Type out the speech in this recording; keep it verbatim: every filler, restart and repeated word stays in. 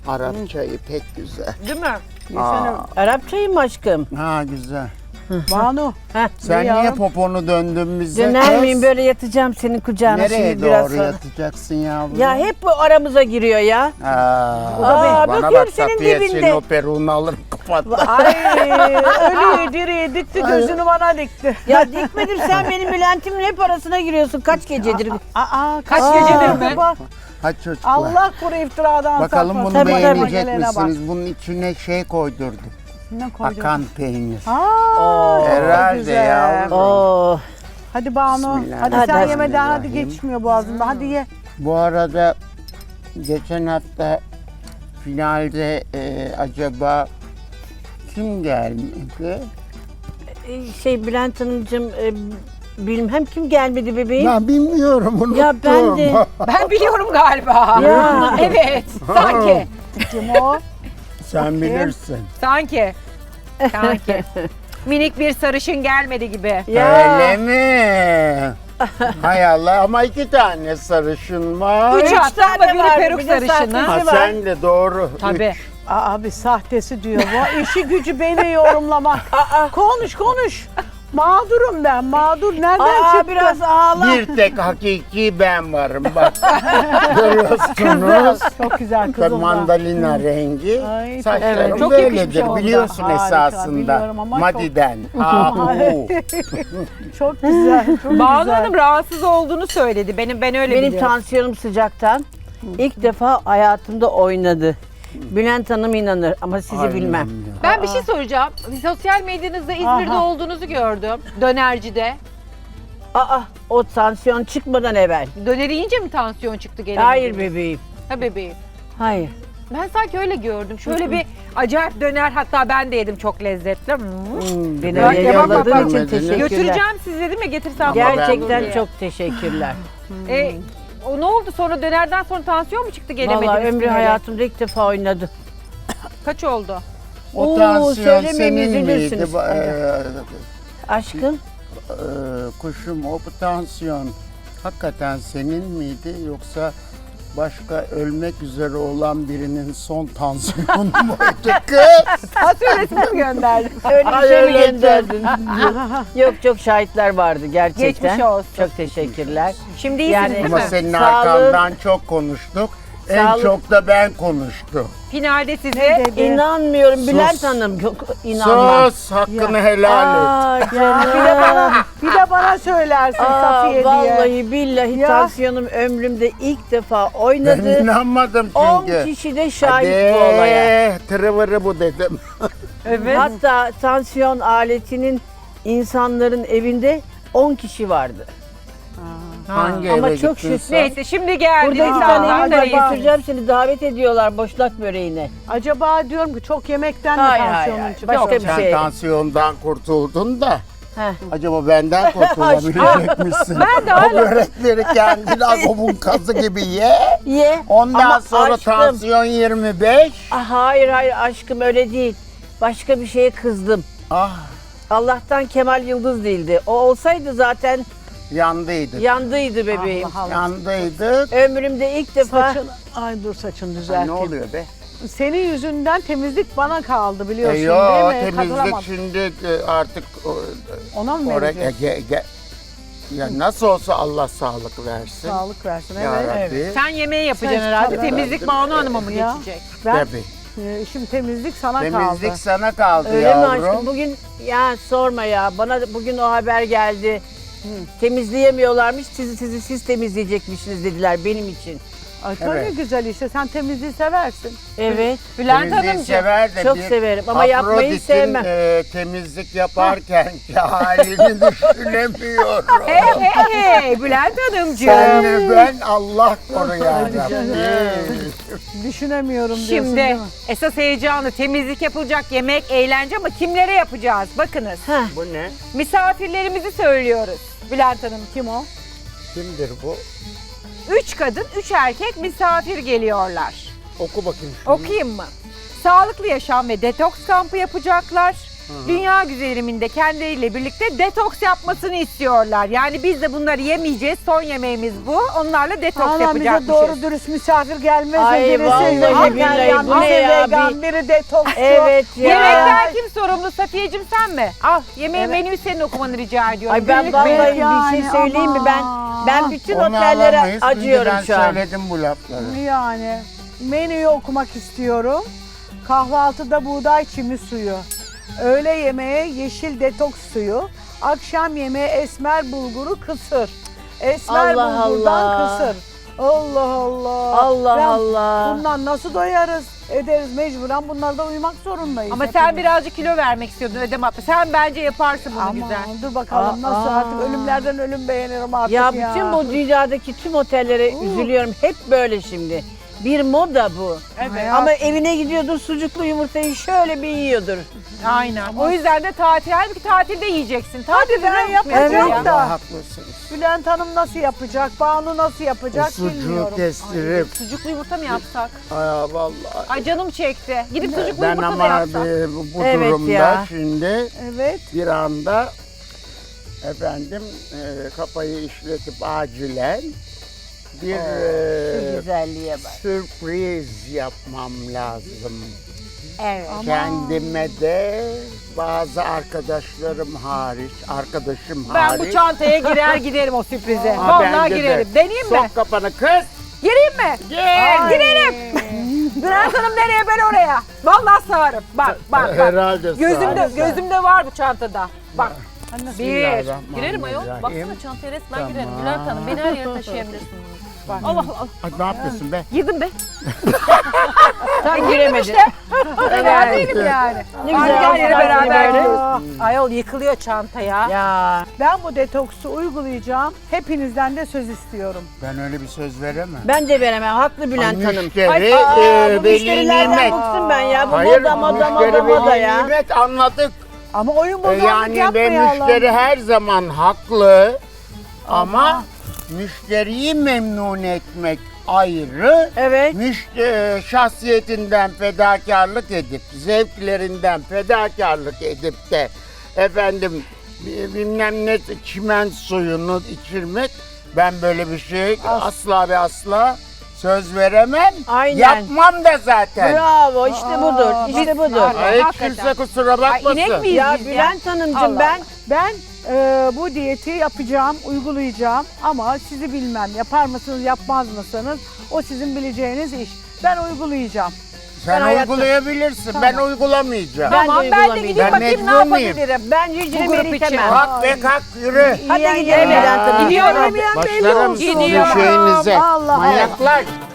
Arap çayı pek güzel. Değil mi? Aa. Arap çayı mı aşkım? Ha güzel. Banu. Heh. Sen Ne niye yavrum? poponu döndün bize? Döner kız? miyim böyle yatacağım senin kucağına Nereye şimdi biraz doğru sonra. yatacaksın yavrum? Ya hep bu aramıza giriyor ya. Aa, Aa, bana bakıyorum bak senin Safiye dibinde. senin o peruğunu alırım kapattı. Ay ölüyü diriyi dikti gözünü bana dikti. Ya dikmedim sen benim Bülent'imin hep arasına giriyorsun kaç gecedir. Aa, Kaç aa, gecedir mi? bak, Hadi çocuklar. Allah kuru iftiradan Bakalım saklasın. bunu Tabii, tabii. beğenecek Gelene bak. misiniz? Bunun içine şey koydurdum. Ne koydun? Akan peynir. Aa, çok Herhalde güzel. yavrum. Oo. Hadi Banu. Bismillah. Hadi, Hadi, sen hadi. yemeden hadi Bismillahirrahmanirrahim. geçmiyor boğazında. Hadi ye. Bu arada geçen hafta finalde e, acaba kim gelmedi? Ee, Şey Bülent Hanımcığım e, bilmem kim gelmedi bebeğim. Ya bilmiyorum unuttum. Ya ben de. Ben biliyorum galiba. Ya. Evet, sanki. Kim o? Sen bilirsin. Sanki. Sanki. Minik bir sarışın gelmedi gibi. Ya. Öyle mi? Hay Allah ama iki tane sarışın var. Üç Üç hatta ama tane biri var, peruk bir de sarışını. sahtesi Ha, var. sen de doğru. Tabii. Üç. Aa, abi sahtesi diyor bu. İşi gücü beni yorumlamak. Konuş konuş. Mağdurum ben. Mağdur nereden Aa çıktı? biraz ağla. Bir tek hakiki ben varım bak. Görüyorsunuz. Çok güzel kızım da. Mandalina rengi. Ay, çok- Saçlarım Evet, çok böyledir yakışmış onda. biliyorsun Harika, esasında. biliyorum ama çok- Madiden. Ahu. Çok güzel. Çok Banu güzel. Hanım rahatsız olduğunu söyledi. Benim ben öyle Benim biliyorum. tansiyonum sıcaktan ilk defa hayatımda oynadı. Bülent Hanım inanır ama sizi Aynen bilmem. ya. Ben bir şey soracağım. Sosyal medyanızda İzmir'de Aha. olduğunuzu gördüm. Dönercide. Aa o tansiyon çıkmadan evvel. Döner yiyince mi tansiyon çıktı gene? Hayır bebeğim. Ha bebeğim. Hayır. Ben sanki öyle gördüm. Şöyle bir acayip döner, hatta ben de yedim, çok lezzetli. Hmm. Hmm, beni Ya, öyle ya, bak, bak, yolladığın bak. için Götüreceğim teşekkürler. Götüreceğim sizi dedim ya, getirsem. Gerçekten diye. çok teşekkürler. E, o ne oldu sonra, dönerden sonra tansiyon mu çıktı, gelemediniz? Vallahi ömrü finale? hayatımda ilk defa oynadı. Kaç oldu? O Oo, tansiyon söylemeyin, senin miydi? üzülürsünüz. Bu, eee, Aşkım eee, kuşum o bu tansiyon hakikaten senin miydi yoksa başka ölmek üzere olan birinin son tansiyonu muydu kız? Tansiyon resmi mi gönderdin? öyle bir Ay, şey mi öyle gönderdin? Yok çok şahitler vardı gerçekten. Geçmiş olsun. Çok teşekkürler. Şimdi iyisiniz Yani- değil Ama mi? senin Sağlık- arkandan çok konuştuk. En Sağlık- çok da ben konuştum. Finalde sizi Dedi. İnanmıyorum Sus. Bülent Hanım. Yok inanmam. Sus hakkını helal et. Aa, Ya, bir de bana, bir de bana söylersin Aa, Safiye diye. vallahi billahi Ya. tansiyonum ömrümde ilk defa Ben oynadı. inanmadım on çünkü. kişi de şahit bu olaya. Hadi tırıvırı bu dedim. evet. Hatta tansiyon aletinin insanların evinde on kişi vardı. Hangi Ama eve çok gittin şükür- sen? Neyse şimdi geldi. Burada iki Aa, tane insanlar evim da var, iyisin. götüreceğim seni, davet ediyorlar boşnak böreğine. Acaba diyorum ki çok yemekten mi Hayır, hayır, tansiyonun hayır. çıktı? Başka bir Sen şey. tansiyondan kurtuldun da Heh. acaba benden kurtulabilecek misin? Ben de O hala- börekleri kendin agobun kazı gibi ye. Ye. Ondan Ama sonra aşkım- tansiyon yirmi beş. Ah, hayır hayır aşkım öyle değil. Başka bir şeye kızdım. Ah Allah'tan Kemal Yıldız değildi. O olsaydı zaten yandıydık. yandıydı bebeğim. Allah Allah. Yandıydık. Ömrümde ilk defa Saçın, ay dur saçını Ay, düzelteyim. ne oluyor be? Senin yüzünden temizlik bana kaldı biliyorsun E, yo, değil mi? temizlik Katılamadım. şimdi e, artık o- Ona mı oraya vereceğiz? ge- ge- ya nasıl olsa Allah sağlık versin. Sağlık versin. Ya Evet. Rabbi. Sen yemeği yapacaksın Sen herhalde. tabii. Temizlik Banu Hanım'a mı Ya. geçecek? Ben Tabii. e, şimdi temizlik sana Temizlik kaldı. sana kaldı öyle mi yavrum. aşkım? Bugün ya sorma ya. Bana bugün o haber geldi. Temizleyemiyorlarmış. Sizi sizi siz temizleyecekmişsiniz dediler benim için. Ay, çok Evet. güzel işte sen temizliği seversin. Evet. Bülent Temizliği Hanımcığım. sever de Çok bir severim ama yapmayı Afrodit'in, sevmem. e, temizlik yaparken halini düşünemiyorum. Hey hey hey Bülent Hanımcığım. Senle ben Allah koru ya Rabbi. Düşünemiyorum diyorsun Şimdi değil mi? esas heyecanı, temizlik yapılacak, yemek, eğlence, ama kimlere yapacağız? Bakınız. Heh. Bu ne? Misafirlerimizi söylüyoruz. Bülent Hanım. Kim o? Kimdir bu? Üç kadın, üç erkek misafir geliyorlar. Oku bakayım şunu. Okuyayım mı? Sağlıklı yaşam ve detoks kampı yapacaklar. dünya güzeliminde kendileriyle birlikte detoks yapmasını istiyorlar. Yani biz de bunları yemeyeceğiz. Son yemeğimiz bu. Onlarla detoks Ama bize yapacakmışız. doğru dürüst misafir gelmez. Ay, birisi vallahi vejetaryen, billahi, bu ne biri ya? vegan, biri detoksçu. Evet ya. Yemekten kim sorumlu? Safiyeciğim sen mi? Al yemeğin menüyü senin okumanı rica ediyorum. Ay ben Günlük vallahi menü. bir şey yani, söyleyeyim mi ben? ama. Ben bütün Onu otellere alamayız. Şimdi acıyorum ben şu an. söyledim bu lafları. Yani menüyü okumak istiyorum. Kahvaltıda buğday çimi suyu. Öğle yemeğe yeşil detoks suyu. Akşam yemeğe esmer bulguru kısır. Esmer Allah bulgurdan Allah. kısır. Allah Allah. Allah Ben Allah. Bundan nasıl doyarız? Ederiz mecburen bunlarda uyumak zorundayız. Ama sen hepimiz. birazcık kilo vermek istiyordun ödem atma. Sen bence yaparsın bunu Ama güzel. dur bakalım Aa, nasıl aa. artık ölümlerden ölüm beğenirim artık Ya ya. bütün bu dünyadaki tüm otellere üzülüyorum. Hep böyle şimdi. Bir moda bu. Evet. Ama evine gidiyordur sucuklu yumurtayı şöyle bir yiyordur. Aynen. O yüzden de tatil, halbuki tatilde yiyeceksin. Tatilde ben ne yapacağım yapıyorsun da. ya? Allah haklısınız. Bülent Hanım nasıl yapacak? Banu nasıl O yapacak sucuğu bilmiyorum. kestirip. Sucuklu yumurta mı yapsak? Ay vallahi. Ay canım çekti. Gidip sucuklu Ben yumurta da ama yapsak. bir- bu bu Evet durumda ya. şimdi Evet. bir anda efendim e, kafayı işletip acilen bir Şu e, güzelliğe bak. sürpriz yapmam lazım. Evet. Kendime de bazı arkadaşlarım hariç, arkadaşım Ben hariç. bu çantaya girer giderim o sürprize. Ha, Vallahi bence de. girerim. Deneyeyim mi? Sok kafanı kız. Gireyim mi? Gel. Girerim. Bülent Hanım nereye ben oraya. Vallahi sığarım. Bak bak bak. Herhalde Gözümde, sağ ol. gözümde var bu çantada. Bak. Bir. Bismillahirrahmanirrahim. Girerim ayol. Baksana çantaya resmen Tamam. girerim. Bülent Hanım beni her yere taşıyabilirsiniz. Allah Allah. Ay, ne yapıyorsun be? Girdim be. Sen giremedin. Fena değilim yani. Ne Hadi güzel gel yere olsun, beraber böyle. gidiyoruz. Ayol yıkılıyor çanta ya. Ya. Ben bu detoksu uygulayacağım. Hepinizden de söz istiyorum. Ben öyle bir söz veremem. Ben de veremem. Haklı Bülent Hanım. Müşteri Ay, aa, e, bu veli müşterilerden nimet. bıktım ben ya. Bu Hayır, moda moda müşteri moda moda veli ya. nimet anladık. Ama oyun E, bozanlık yani ve yapmayalım. müşteri her zaman haklı ama müşteriyi memnun etmek ayrı. Evet. Müşteri şahsiyetinden fedakarlık edip, zevklerinden fedakarlık edip de efendim bi- bilmem ne çimen suyunu içirmek, ben böyle bir şey asla ve asla söz veremem. Aynen. Yapmam da zaten. Bravo. İşte budur. İşte budur. Ay, hiç Hakikaten. kimse kusura Ay bakmasın. inek miyiz Ya biz ya? Bülent Hanımcığım Allah ben Ben e, bu diyeti yapacağım, uygulayacağım ama sizi bilmem. Yapar mısınız, yapmaz mısınız? O sizin bileceğiniz iş. Ben uygulayacağım. Sen Ben hayatta- uygulayabilirsin, ben uygulamayacağım. Ben de Tamam ben de uygulamayacağım. gideyim Ben bakayım ne mecbur muyum? yapabilirim. ben yüzüne Bu grup beni için. itemem. Kalk be kalk yürü. Hadi Yiyen gidelim yemeyen- Bülent Hanım. Gidiyorum. Yemeyen belli Başlarım olsun. sizin Gidiyorum. şeyinize. Allah Allah. Manyaklar.